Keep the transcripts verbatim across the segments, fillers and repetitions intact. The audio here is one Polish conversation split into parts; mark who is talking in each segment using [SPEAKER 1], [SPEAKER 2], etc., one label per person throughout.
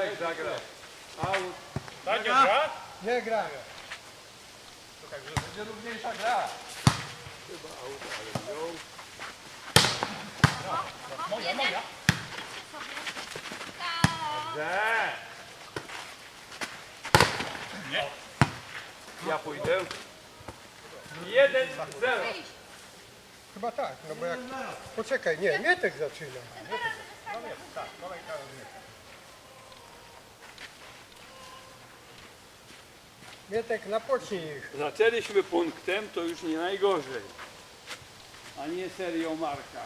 [SPEAKER 1] Niech zagra. Aut.
[SPEAKER 2] Tak, nie gra?
[SPEAKER 3] Nie gra.
[SPEAKER 1] To także będzie równiejsza gra. Chyba aut, ale wziął.
[SPEAKER 2] Moja, moja.
[SPEAKER 1] Dobrze.
[SPEAKER 2] Nie.
[SPEAKER 1] Ja pójdę. Jeden zero.
[SPEAKER 3] Chyba tak, no bo jak... Poczekaj, nie, Mietek zaczyna.
[SPEAKER 2] Tak, kolejka rozmieszka.
[SPEAKER 3] Mietek, napocznij ich.
[SPEAKER 1] Zaczęliśmy punktem, to już nie najgorzej. A nie serią Marka.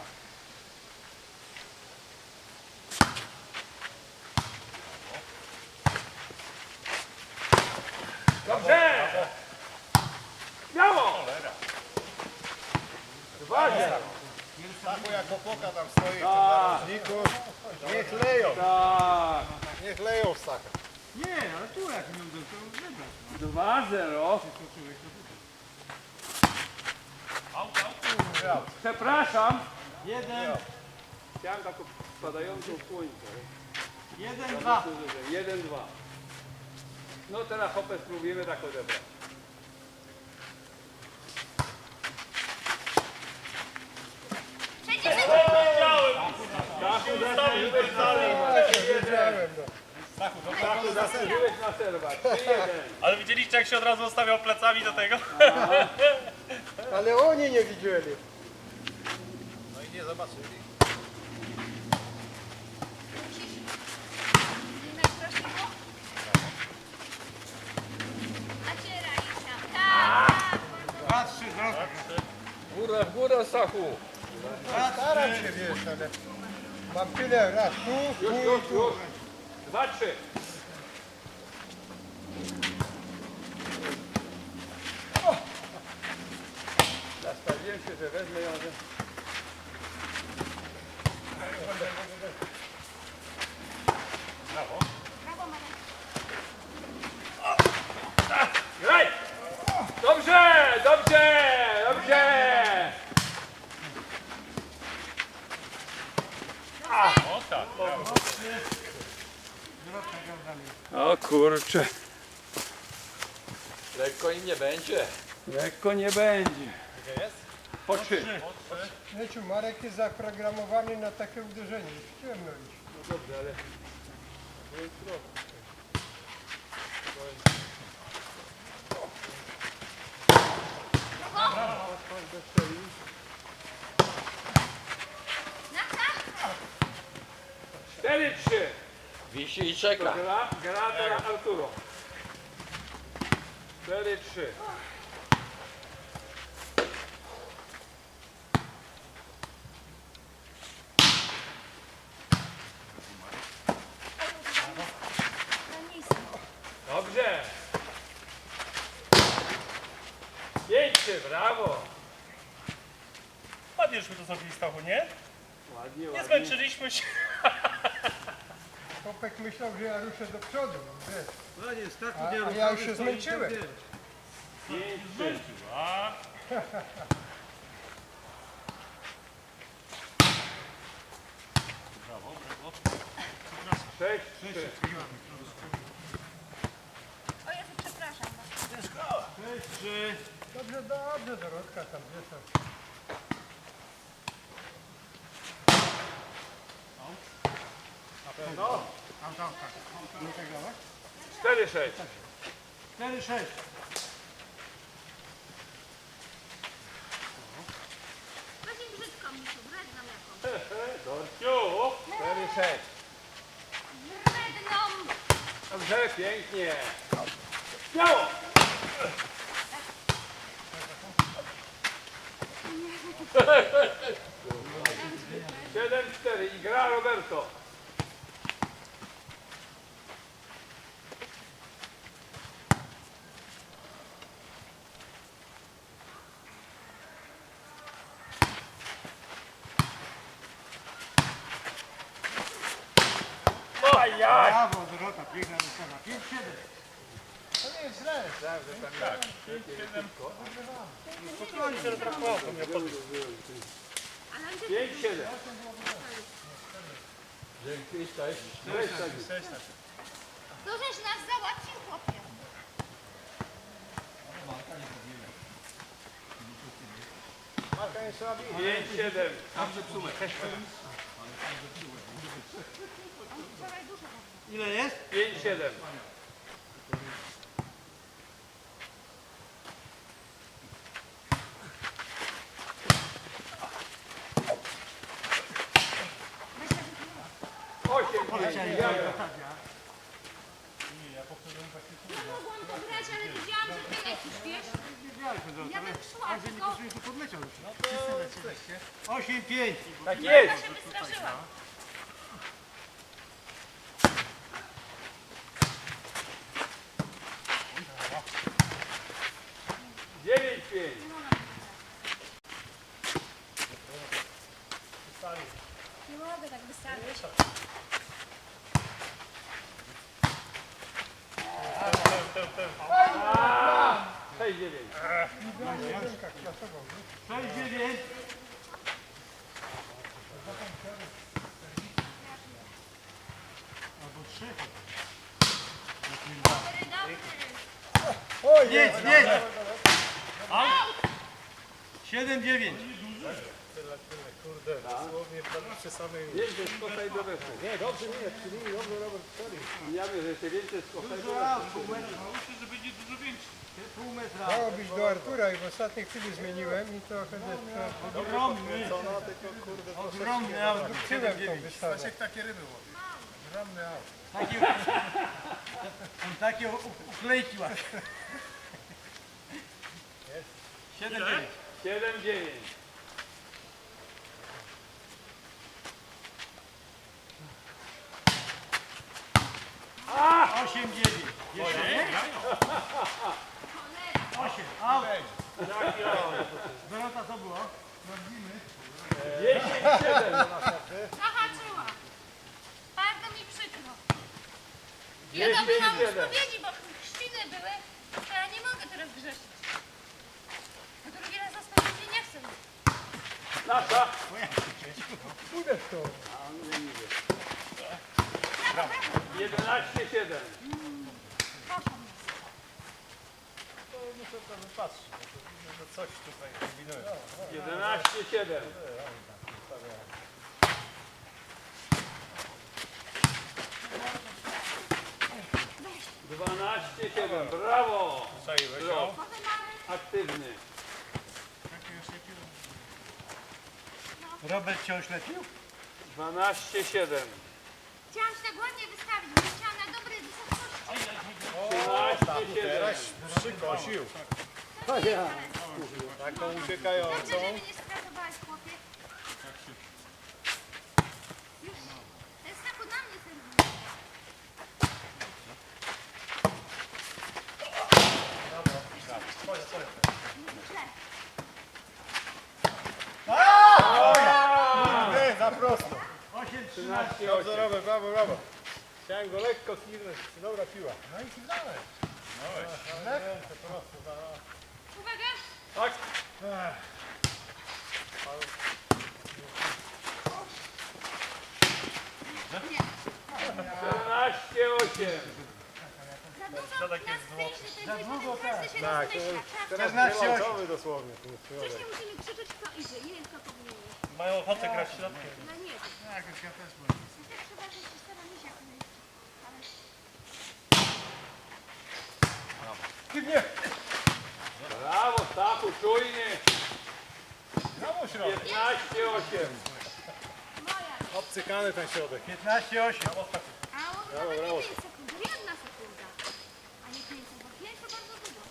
[SPEAKER 1] Dobrze! Brawo! Dwa zero.
[SPEAKER 2] Stachu jak opoka tam stoi w tym
[SPEAKER 1] Tak.
[SPEAKER 2] narożniku. Niech leją,
[SPEAKER 1] Tak.
[SPEAKER 2] niech leją w Stacha.
[SPEAKER 3] Nie, ale tu jak nie uda, to wybrać.
[SPEAKER 1] Dwa zero. Przepraszam.
[SPEAKER 3] Jeden,
[SPEAKER 1] Chciałem taką spadającą słońce.
[SPEAKER 3] jeden, dwa.
[SPEAKER 1] Jeden, dwa. No teraz hopę spróbujemy tak odebrać. Stachu, zasłużyłeś na serwat.
[SPEAKER 3] Wiedziałem, no.
[SPEAKER 1] Stachu, zasłużyłeś na serwat. trzy jeden.
[SPEAKER 4] Ale widzieliście, jak się od razu ustawiał plecami do tego?
[SPEAKER 3] Ale oni nie widzieli.
[SPEAKER 2] No i nie zobaczyli.
[SPEAKER 3] Dwa, trzy, droga.
[SPEAKER 1] Góra, w górę, Stachu.
[SPEAKER 3] Staram się, wiesz, ale... Mam tyle raz tu,
[SPEAKER 1] Już,
[SPEAKER 3] tu
[SPEAKER 1] już,
[SPEAKER 3] i tu.
[SPEAKER 1] już. Dwa, trzy. Nastawiłem się, że wezmę ją, że... Graj! Dobrze, dobrze, dobrze!
[SPEAKER 4] O tak, brawo.
[SPEAKER 1] O kurczę.
[SPEAKER 5] Lekko im nie będzie.
[SPEAKER 1] Lekko nie będzie.
[SPEAKER 2] Gdzie jest?
[SPEAKER 1] Po trzy.
[SPEAKER 3] Wiecie, Marek jest zaprogramowany na takie uderzenie. W ciemno iść.
[SPEAKER 1] No dobrze, ale... Cztery, trzy.
[SPEAKER 5] Wisi i
[SPEAKER 1] To
[SPEAKER 5] czeka.
[SPEAKER 1] gra, gra teraz Arturo. Cztery, trzy. Dobrze. Pięć, trzy, brawo.
[SPEAKER 4] Ładnie żeśmy to zrobili, Stachu, nie?
[SPEAKER 1] Ładnie,
[SPEAKER 4] Nie
[SPEAKER 1] ładnie.
[SPEAKER 4] zmęczyliśmy się.
[SPEAKER 3] Kopek myślał, że ja ruszę do przodu, wiesz.
[SPEAKER 6] Panie, Stachu,
[SPEAKER 3] A,
[SPEAKER 6] nie
[SPEAKER 3] a ja już się zmęczyłem.
[SPEAKER 1] Pięć, trzy.
[SPEAKER 4] A,
[SPEAKER 1] Sześć, trzy.
[SPEAKER 7] O Jezu, przepraszam.
[SPEAKER 3] Dobrze, dobrze, Dorotka tam, wiesz. tam.
[SPEAKER 2] Tam, tam, tak.
[SPEAKER 1] Cztery, sześć.
[SPEAKER 3] cztery, sześć.
[SPEAKER 7] Właśnie brzydko mi tu, wredną jakąś.
[SPEAKER 1] Dorciu. Cztery, sześć.
[SPEAKER 7] Wredną!
[SPEAKER 1] Dobrze, pięknie. Śmiało. Siedem, cztery i gra Roberto. Ajaj!
[SPEAKER 3] Brawo, Dorota, piękna wystawa. pięć, siedem. To nie jest źle.
[SPEAKER 4] spokojnie się rozrachował, to mnie pod...
[SPEAKER 7] Ale on się
[SPEAKER 1] Pięć, siedem.
[SPEAKER 5] Dzięki, cześć.
[SPEAKER 1] Cześć, Tadzi.
[SPEAKER 2] Cześć, tak.
[SPEAKER 7] To żeś nas załatwił, chłopie.
[SPEAKER 2] Marka nie trzeba bić.
[SPEAKER 1] pięć siedem.
[SPEAKER 7] On wczoraj dużo robił.
[SPEAKER 4] Ile jest?
[SPEAKER 1] pięć siedem. osiem pięć.
[SPEAKER 7] Ja mogłam pograć, ale widziałam, że ty lecisz, wiesz? Ja bym szła, tylko
[SPEAKER 4] osiem pięć.
[SPEAKER 1] Tak
[SPEAKER 7] ja
[SPEAKER 1] jest.
[SPEAKER 7] się wystraszyłam.
[SPEAKER 1] dziewięć pięć.
[SPEAKER 7] Nie mogę tak wystarczyć.
[SPEAKER 1] sześć dziewięć.
[SPEAKER 4] sześć dziewięć. Albo trzy.
[SPEAKER 7] Dobry, dobry.
[SPEAKER 3] O,
[SPEAKER 4] Nic,
[SPEAKER 3] jest!
[SPEAKER 4] nic. siedem dziewięć.
[SPEAKER 2] Tyle, tyle, kurde, dosłownie prawie przy samej...
[SPEAKER 1] Więcej skoka i do weszło.
[SPEAKER 2] Nie, dobrze, nie, czyli dobrze Robert strzelił.
[SPEAKER 1] Ja wiem, że się więcej skoka i do weszło.
[SPEAKER 4] Myślę, że będzie dużo większy. Pół metra.
[SPEAKER 3] Miało być do Artura i w ostatniej chwili zmieniłem i trochę zeszło.
[SPEAKER 4] Ogromny.
[SPEAKER 2] Co no, tylko kurde, troszeczkę...
[SPEAKER 4] Ogromny aut.
[SPEAKER 3] Tyłem tą wystawę.
[SPEAKER 2] Stasiek takie ryby łowi. Ogromny aut.
[SPEAKER 4] Takie, on takie u- u- uklejki ma. siedem dziewięć.
[SPEAKER 1] siedem dziewięć.
[SPEAKER 4] osiem dziewięć. Jeszcze? osiem. Aut. Dorota, co było?
[SPEAKER 1] dziesięć siedem.
[SPEAKER 7] Zahaczyła. Bardzo mi przykro. Ja
[SPEAKER 1] Dziesięć
[SPEAKER 7] dobyłam
[SPEAKER 1] siedem.
[SPEAKER 7] spowiedzi, bo chrzciny były, to ja nie mogę teraz grzeszyć. Bo drugi raz za spowiedzi nie chcę.
[SPEAKER 1] Nasza.
[SPEAKER 3] Pójdę w to.
[SPEAKER 1] jedenaście siedem.
[SPEAKER 7] Proszę.
[SPEAKER 2] To muszę to wypatrzyć, że coś tutaj kombinuje.
[SPEAKER 1] jedenaście siedem. dwanaście siedem. Brawo.
[SPEAKER 2] Czaiłeś
[SPEAKER 1] Brawo.
[SPEAKER 2] ją?
[SPEAKER 7] Potem mamy
[SPEAKER 1] Aktywny.
[SPEAKER 4] Robert cię oślepił?
[SPEAKER 1] dwanaście siedem.
[SPEAKER 7] chciałam się tak ładnie wystawić, bo chciałam na dobrej wysokości.
[SPEAKER 1] trzynaście
[SPEAKER 2] Teraz
[SPEAKER 1] siedem.
[SPEAKER 2] przykosił.
[SPEAKER 7] To nie jest
[SPEAKER 2] Taką
[SPEAKER 7] Dobrze,
[SPEAKER 2] uciekającą.
[SPEAKER 7] że mnie nie skratowałeś, chłopie. Już. To jest tak na mnie serwis. Źle.
[SPEAKER 2] Nie, za prosto.
[SPEAKER 4] osiem trzynaście.
[SPEAKER 1] trzynaście
[SPEAKER 2] Dobrze
[SPEAKER 1] osiem.
[SPEAKER 2] Robert, brawo, brawo. Chciałem go lekko kiwnąć. Dobra piła. No i kiwnąłeś. No, lekko, prosto.
[SPEAKER 7] Uwaga.
[SPEAKER 1] Tak. czternaście osiem.
[SPEAKER 7] Za dużo nas zejdzie, to jest
[SPEAKER 4] długo,
[SPEAKER 7] każdy się
[SPEAKER 2] Tak, to
[SPEAKER 7] rozmyśla.
[SPEAKER 2] jest
[SPEAKER 7] Trzeba
[SPEAKER 2] teraz
[SPEAKER 4] czternaście osiem.
[SPEAKER 2] wyłączowy dosłownie. ten środek.
[SPEAKER 7] Wcześniej musimy krzyczeć, kto idzie. Nie wiem, kto powinien iść.
[SPEAKER 4] Mają ochotę grać środkiem.
[SPEAKER 7] No nie wiem.
[SPEAKER 4] Tak, ja też byłem.
[SPEAKER 7] No tak trzeba, że się stara misiak myć. Ale
[SPEAKER 1] Brawo, Stachu, czujny.
[SPEAKER 2] Brawo środek.
[SPEAKER 1] piętnaście osiem.
[SPEAKER 7] moja.
[SPEAKER 2] Obcykany ten środek.
[SPEAKER 4] piętnaście osiem.
[SPEAKER 7] A on nawet nie pięć sekund. Jedna sekunda. A nie pięć sekund. Bo pięć to bardzo dużo.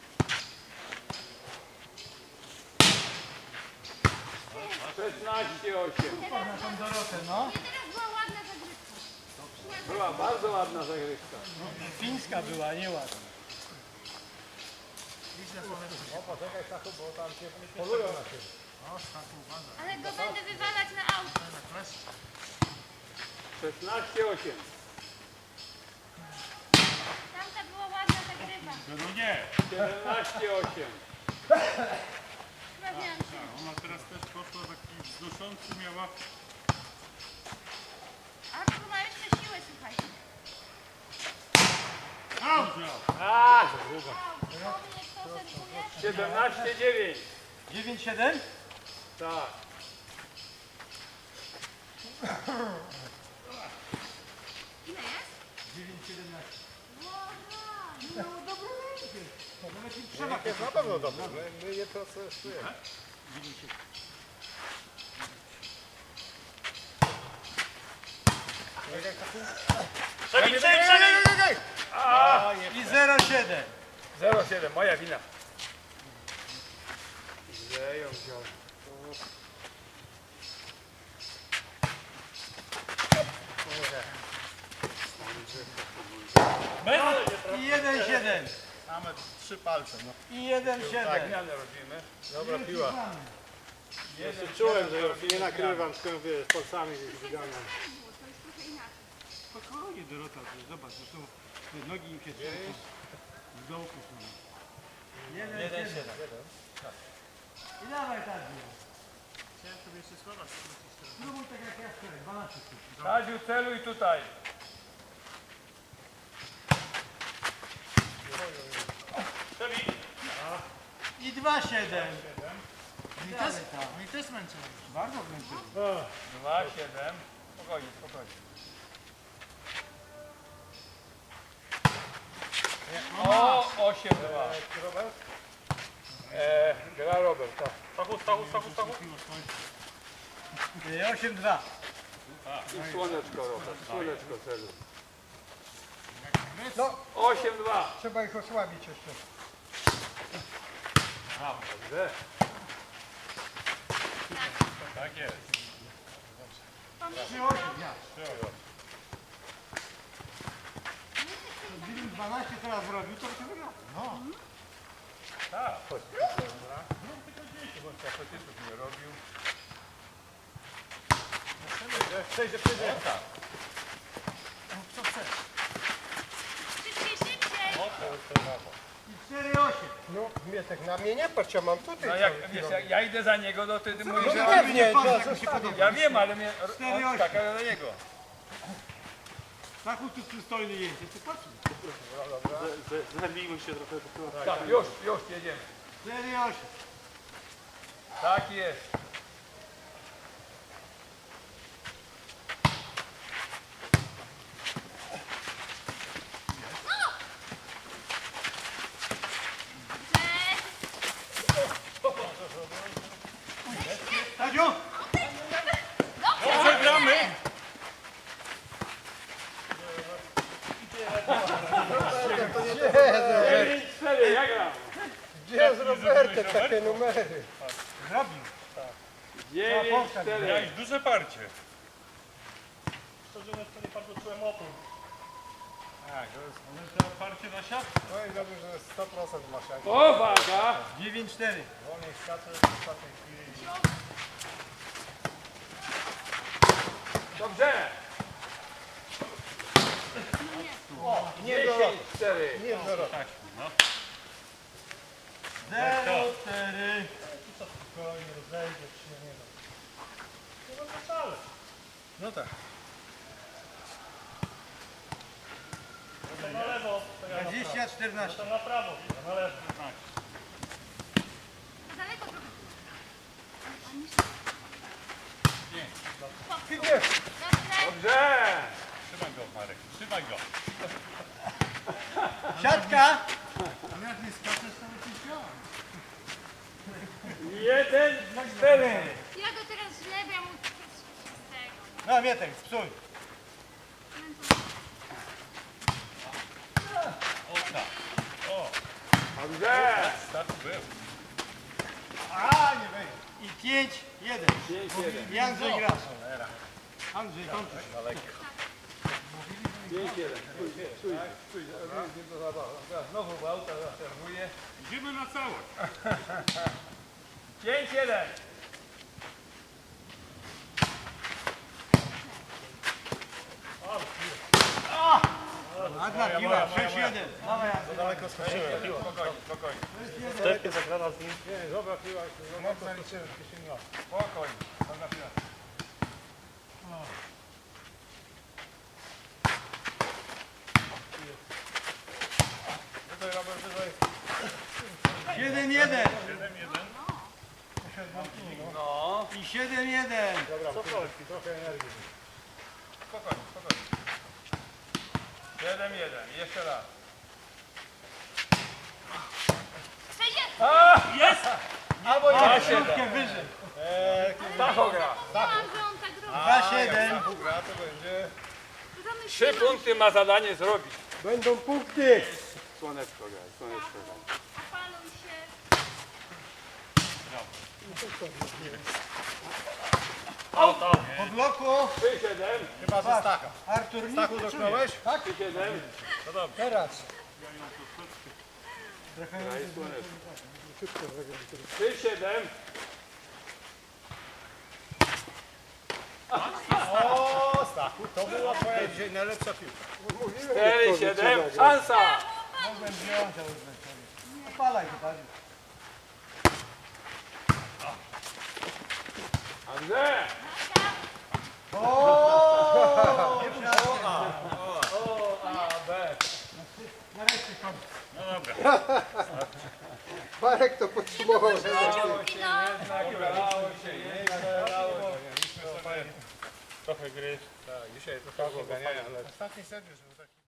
[SPEAKER 1] szesnaście osiem.
[SPEAKER 7] Teraz,
[SPEAKER 4] Dorotę, no.
[SPEAKER 7] nie, teraz była ładna zagrywka.
[SPEAKER 1] Była bardzo ładna zagrywka.
[SPEAKER 4] Fińska była, nie ładna.
[SPEAKER 2] O, poczekaj Stachu, bo tam się polują na ciebie.
[SPEAKER 7] Ale go będę wywalać na auto.
[SPEAKER 1] szesnaście osiem.
[SPEAKER 7] Tamta była ładna zagrywa.
[SPEAKER 4] No nie.
[SPEAKER 1] siedemnaście osiem.
[SPEAKER 7] Sprawiałam się.
[SPEAKER 4] Ona teraz też poszła taki wznoszący miała.
[SPEAKER 7] Artur ma jeszcze siłę, słuchajcie.
[SPEAKER 2] siedemnaście dziewięć.
[SPEAKER 4] dziewięć siedem?
[SPEAKER 2] Tak.
[SPEAKER 7] Ile jest?
[SPEAKER 4] dziewięć siedemnaście.
[SPEAKER 7] Łoża!
[SPEAKER 4] No dobrze, nawet nie
[SPEAKER 2] Przemak jest na pewno dobry. My, my je procesujemy.
[SPEAKER 1] Przebij, przebij, przebij!
[SPEAKER 4] I zero siedem.
[SPEAKER 2] zero siedem, moja wina.
[SPEAKER 3] Źle ją wziął.
[SPEAKER 4] I jeden siedem.
[SPEAKER 2] Mamy trzy palce. No.
[SPEAKER 4] I jeden
[SPEAKER 2] Tak,
[SPEAKER 4] siedem.
[SPEAKER 2] zmianę robimy. Dobra piła.
[SPEAKER 3] Jeszcze czułem, że nie nakrywam, tylko wiesz, palcami gdzieś wyganiam.
[SPEAKER 7] To jest trochę inaczej.
[SPEAKER 4] Spokojnie Dorota, zobacz, zresztą te nogi im się trzęsą. W dołku są. Jeden, jeden siedem. I dawaj tak. Chciałem sobie jeszcze słowa skrócić. Spróbuj tak jak ja wczoraj, dwanaście sztuk.
[SPEAKER 2] Kaziu, celuj tutaj.
[SPEAKER 4] I dwa siedem.
[SPEAKER 6] Mi też, mi też męczyło.
[SPEAKER 4] Bardzo wręczyło.
[SPEAKER 2] dwa siedem. Spokojnie, spokojnie. O, osiem dwa.
[SPEAKER 3] Robert?
[SPEAKER 2] Eee, gra Robert, tak. Stachu, stachu, stachu, stachu.
[SPEAKER 4] osiem dwa.
[SPEAKER 5] I słoneczko, Robert, słoneczko celu.
[SPEAKER 3] No,
[SPEAKER 2] osiem dwa.
[SPEAKER 3] trzeba ich osłabić jeszcze.
[SPEAKER 2] Dobrze. Tak jest.
[SPEAKER 4] trzy osiem, ja. Gdybym dwanaście teraz zrobił, to by się wygrał.
[SPEAKER 2] Tak, chodź. Dobra. No tylko dzieci, bo tak chociaż nie robił. Przejdzie, przejdzie. Tak.
[SPEAKER 6] Co chcesz?
[SPEAKER 7] Szybciej, szybciej!
[SPEAKER 4] I cztery osiem.
[SPEAKER 3] No, Mietek, na mnie nie patrz, ja mam tutaj
[SPEAKER 2] No
[SPEAKER 3] cały
[SPEAKER 2] jak, wiesz,
[SPEAKER 3] kierownik.
[SPEAKER 2] jak ja idę za niego, no to ty mówisz,
[SPEAKER 3] No
[SPEAKER 2] że...
[SPEAKER 3] pewnie,
[SPEAKER 4] patrz,
[SPEAKER 3] to
[SPEAKER 4] jak mi się
[SPEAKER 3] zostawię.
[SPEAKER 4] podoba.
[SPEAKER 2] Ja wiem, ale mnie
[SPEAKER 4] Cztery osiem.
[SPEAKER 2] skaka do niego.
[SPEAKER 4] Tachu tu przystojny jedzie, ty patrz.
[SPEAKER 6] Zabijmy się trochę do tyłu.
[SPEAKER 2] Tak, już, już jedziemy.
[SPEAKER 4] cztery osiem.
[SPEAKER 2] Tak jest.
[SPEAKER 4] Tadziu!
[SPEAKER 2] Dobrze gramy. dziewięć cztery, ja gram.
[SPEAKER 3] Gdzie z Robertem takie numery?
[SPEAKER 4] Zrobił.
[SPEAKER 2] dziewięć cztery.
[SPEAKER 1] Miałeś duże parcie.
[SPEAKER 6] Szczerze mówiąc, to nie bardzo czułem opór.
[SPEAKER 1] Tak, to jest one to parcie na siatkę.
[SPEAKER 2] No i dobrze, że sto procent masz jak.
[SPEAKER 5] Uwaga!
[SPEAKER 4] dziewięć cztery.
[SPEAKER 2] Wolniej skacze w ostatniej chwili.
[SPEAKER 5] Dobrze! dziesięć cztery.
[SPEAKER 3] Nie wzorot.
[SPEAKER 4] zero cztery.
[SPEAKER 6] Spokojnie, rozejdzie się, nie wiem. No to wcale.
[SPEAKER 2] No tak.
[SPEAKER 6] To na lewo, to ja na prawo.
[SPEAKER 4] dwadzieścia czternaście.
[SPEAKER 6] To na prawo, na lewo.
[SPEAKER 7] Daleko trochę.
[SPEAKER 3] Idzie.
[SPEAKER 7] Dobrze.
[SPEAKER 2] Dobrze!
[SPEAKER 1] Trzymaj go, Marek, trzymaj go.
[SPEAKER 4] Siatka!
[SPEAKER 6] Jak nie skaczesz, to by ci wziął.
[SPEAKER 2] jeden cztery.
[SPEAKER 7] Ja go teraz źle, bo ja mu z tego.
[SPEAKER 4] No Mietek, psuj.
[SPEAKER 1] O tak. O,
[SPEAKER 2] Dobrze!
[SPEAKER 1] start był.
[SPEAKER 4] A, nie wejdzie. I pięć jeden.
[SPEAKER 5] pięć jeden.
[SPEAKER 4] I Andrzej gra. Andrzej, kończysz.
[SPEAKER 5] pięć jeden.
[SPEAKER 2] Znowu w auta zaserwuję.
[SPEAKER 1] Idziemy na całość.
[SPEAKER 2] pięć jeden.
[SPEAKER 4] Ładna piła, sześć jeden. Dawaj, Andrzej.
[SPEAKER 2] Daleko skoczyłem. Spokojnie, spokojnie.
[SPEAKER 6] Stepie zagrana z nim.
[SPEAKER 2] Nie, dobra piła. Mocno liczyłem, spokojnie. Dobra piła. Tutaj Robert, tutaj.
[SPEAKER 4] siedem siedem jeden.
[SPEAKER 2] siedem jeden.
[SPEAKER 5] No.
[SPEAKER 4] I siedem jeden.
[SPEAKER 2] Dobra, Sokolski, trochę energii.
[SPEAKER 1] Spokojnie, spokojnie. Jeden, jeden. Jeszcze raz.
[SPEAKER 7] Przecież
[SPEAKER 1] Albo
[SPEAKER 4] A, środkę wyżej.
[SPEAKER 5] Tachograf.
[SPEAKER 7] mówiłam, że on tak robi.
[SPEAKER 4] dwa siedem.
[SPEAKER 1] gra to będzie...
[SPEAKER 5] Trzy punkty ma zadanie zrobić.
[SPEAKER 3] Będą punkty.
[SPEAKER 5] Słoneczko graj, słoneczko graj.
[SPEAKER 7] Opaluj się.
[SPEAKER 4] Po bloku.
[SPEAKER 5] trzy siedem.
[SPEAKER 1] Chyba ze Stacha.
[SPEAKER 3] Artur, nic
[SPEAKER 1] Stachu
[SPEAKER 3] nie
[SPEAKER 1] dotknąłeś?
[SPEAKER 3] czuje.
[SPEAKER 5] trzy siedem.
[SPEAKER 3] Teraz.
[SPEAKER 5] Graj słoneczko. trzy siedem.
[SPEAKER 1] O, Stachu, to była twoja dzisiaj najlepsza piłka.
[SPEAKER 5] cztery siedem. Szansa.
[SPEAKER 4] Mogłem wziąć, ale zmęczony. Opalaj to bardziej.
[SPEAKER 5] Andrzej.
[SPEAKER 3] Marek to podsumował.
[SPEAKER 7] Ciągi, no.
[SPEAKER 1] Udało się, nie udało się. Trochę gry. Tak, dzisiaj trochę ganiania, ale... Ostatni set już był taki...